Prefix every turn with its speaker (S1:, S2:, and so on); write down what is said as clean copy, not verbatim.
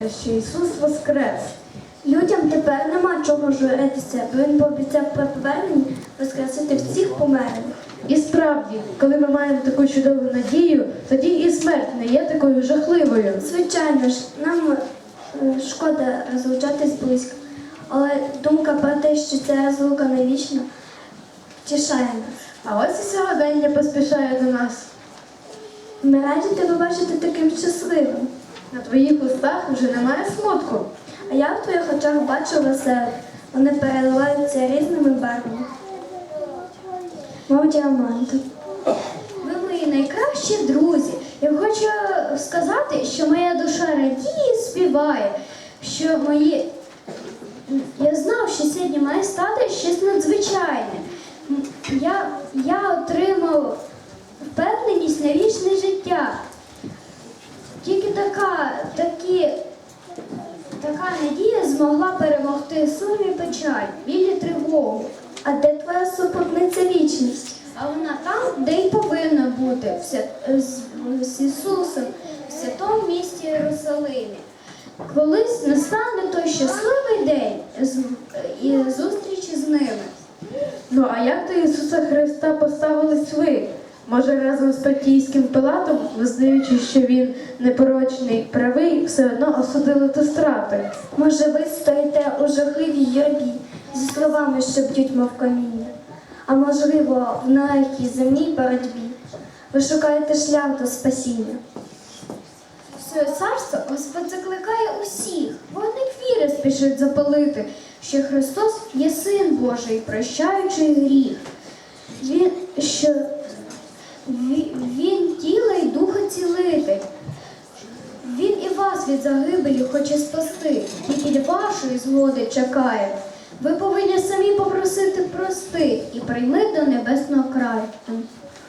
S1: що Ісус воскрес.
S2: Людям тепер нема чого журитися, бо Він пообіцяв при поверненні воскресити всіх померлих.
S1: І справді, коли ми маємо таку чудову надію, тоді і смерть не є такою жахливою.
S2: Звичайно ж, нам шкода розлучатись близько, але думка про те, що ця розлука не вічна, тішає нас.
S1: А ось і сьогодення поспішає до нас.
S2: Ми раді тебе бачити таким щасливим.
S1: На твоїх устах вже немає смутку.
S2: А я в твоїх очах бачу веселих. Вони переливаються різними барвами. Мов діаманти.
S3: Ви мої найкращі друзі. Я хочу сказати, що моя душа радіє і співає, що я знав, що сьогодні має стати щось надзвичайне. Я отримав впевненість на вічне життя. Тільки така надія змогла перемогти сум і печаль, біль і тривогу.
S2: А де твоя супутниця вічність?
S3: А вона там, де й повинна бути, з Ісусом, в святому місті Єрусалимі. Колись настане той щасливий день і зустрічі з ними.
S1: Ну а як до Ісуса Христа поставились ви? Може, разом з Понтійським Пилатом, визнаючи, що він непорочний, правий, все одно осудили до страти?
S2: Може, ви стоїте у жахливій юрбі зі словами, що б'ють, мов каміння? А можливо, в нелегкій земній боротьбі ви шукаєте шлях до спасіння?
S3: В своє царство Господь закликає усіх, вогник віри спішить запалити, що Христос є Син Божий, прощаючий гріх. Він тіла й духа цілитель. Він і вас від загибелі хоче спасти, тільки вашої згоди чекає. Ви повинні самі попросити прости і прийми до небесного краю.